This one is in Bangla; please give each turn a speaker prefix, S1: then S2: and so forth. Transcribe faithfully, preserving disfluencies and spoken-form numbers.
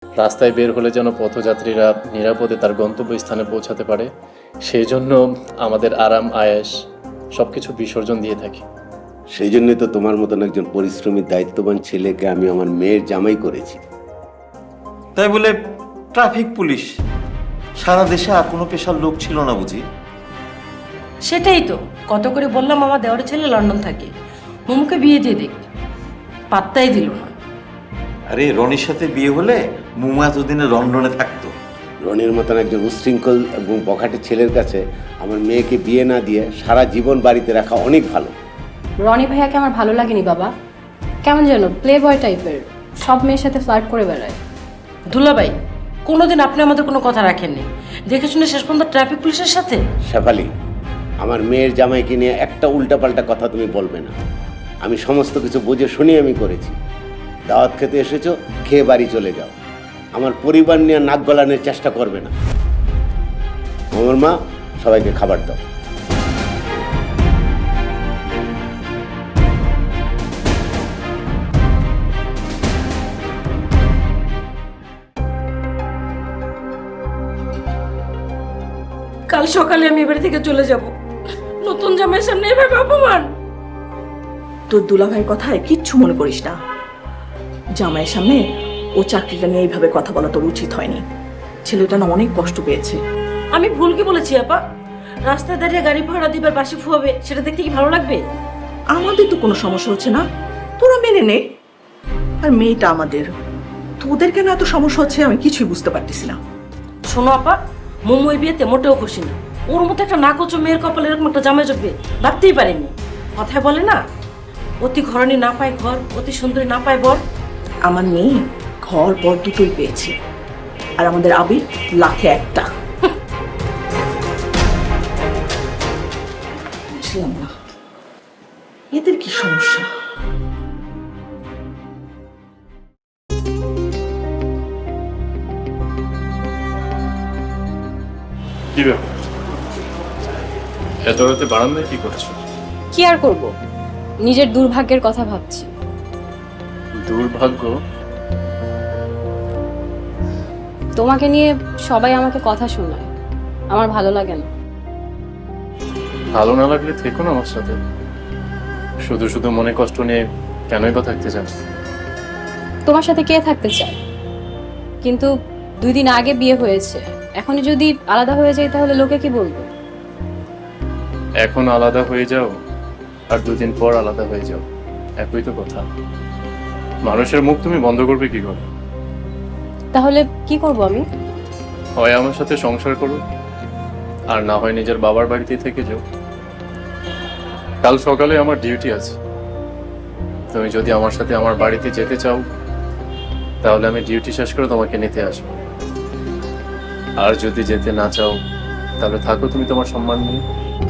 S1: রাস্তায় বের হলে যেন পথযাত্রীরা নিরাপদে তার গন্তব্যস্থানে পৌঁছাতে পারে, সেই জন্য আমাদের আরাম আয়েশ সব কিছু বিসর্জন দিয়ে থাকি।
S2: সেই জন্যই তো তোমার মতন একজন পরিশ্রমী দায়িত্ববান ছেলেকে আমি আমার মেয়ের জামাই করেছি।
S3: তাই বলে ট্রাফিক পুলিশ? সারা দেশে আর কোনো পেশার লোক ছিল না বুঝি?
S4: সেটাই তো, কত করে বললাম আমার দেওয়ার ছেলে লন্ডন থাকে, মোমুকে বিয়ে দিয়ে দেখ, পাত্তাই দিল না।
S3: আরে রনির সাথে বিয়ে হলে মুমু এতদিনে লন্ডনে থাকতো।
S2: রনির মতন একজন উশৃঙ্খল এবং বখাটে ছেলের কাছে আমার মেয়েকে বিয়ে না দিয়ে সারা জীবন বাড়িতে রাখা অনেক ভালো।
S5: রনি ভাইয়াকে আমার ভালো লাগেনি বাবা, কেমন যেন প্লে বয় টাইপের, সব মেয়ের সাথে ফ্লার্ট করে বেড়ায়।
S4: দুলাভাই, কোনোদিন আপনি আমাদের কোনো কথা রাখেননি, দেখে শুনে শেষ পর্যন্ত ট্রাফিক পুলিশের সাথে।
S2: শেফালি, আমার মেয়ের জামাইকে নিয়ে একটা উল্টাপাল্টা কথা তুমি বলবে না। আমি সমস্ত কিছু বুঝে শুনি আমি করেছি। দাওয়াত খেতে এসেছো, খেয়ে বাড়ি চলে যাও। আমার পরিবার নিয়ে নাক গলানোর চেষ্টা করবে না। আমার মা, সবাইকে খাবার দাও।
S4: কাল সকালে আমি এবারে থেকে চলে যাব, নতুন জামাইয়ের সামনে এভাবে অপমান।
S6: তোর দুলাভাইয়ের কথায় কিচ্ছু মনে করিস না। জামাইয়ের সামনে ও চাকরিটা নিয়ে এইভাবে কথা বলা তোর উচিত হয়নি। ছেলেটা না অনেক কষ্ট পেয়েছে।
S4: আমি ভুল কি বলেছি আপা? রাস্তায় দাঁড়িয়ে গাড়ি ভাড়া দিবার বাসি ফুয়াবে, সেটা দেখতে কি ভালো লাগবে?
S6: আমাদের তো কোনো সমস্যা হচ্ছে না, তোরা মেনে নে। আর মেয়েটা আমাদের, তোদের কেন এত সমস্যা হচ্ছে আমি কিছুই বুঝতে পারতেছি না।
S4: শোনো আপা, মোমো এই বিয়েতে মোটেও খুশি না। ওর মতো একটা নাকচ মেয়ের কপালে এরকম একটা জামাই জুটবে ভাবতেই পারেনি। কথায় বলে না, অতি ঘরণী না পায় ঘর, অতি সুন্দরী না পায় বর।
S6: আমার মেয়ে ঘর বর দুটোই পেয়েছে, আর আমাদের আবির লাখে একটা। বুঝলাম না এদের কি সমস্যা।
S1: কি ব্যাপার, এত রাতে বারান্দায় কি করছো?
S5: কি আর করব, নিজের দুর্ভাগ্যের কথা ভাবছি।
S1: দুর্ভাগ্য?
S5: তোমাকে নিয়ে সবাই আমাকে কথা শোনায়, আমার ভালো লাগে না।
S1: ভালো না লাগলে থেকো না আমার সাথে। শুধু শুধু মনে কষ্ট নিয়ে কেনই বা থাকতে চাস?
S5: তোমার সাথে কে থাকতে চায়? কিন্তু দুই দিন আগে বিয়ে হয়েছে, এখনই যদি আলাদা হয়ে যাই তাহলে লোকে কি বলবে?
S1: এখন আলাদা হয়ে যাও আর দুদিন পর আলাদা হয়ে যাও, একই তো কথা। মানুষের মুখ তুমি বন্ধ করবে কি করে?
S5: তাহলে কি করব আমি?
S1: হয় আমার সাথে সংসার করো, আর না হয় নিজের বাবার বাড়িতে থেকে যাও। কাল সকালে আমার ডিউটি আছে, তুমি যদি আমার সাথে আমার বাড়িতে যেতে চাও তাহলে আমি ডিউটি শেষ করে তোমাকে নিতে আসবো। আর যদি যেতে না চাও তাহলে থাকো তুমি তোমার সম্মান নিয়ে।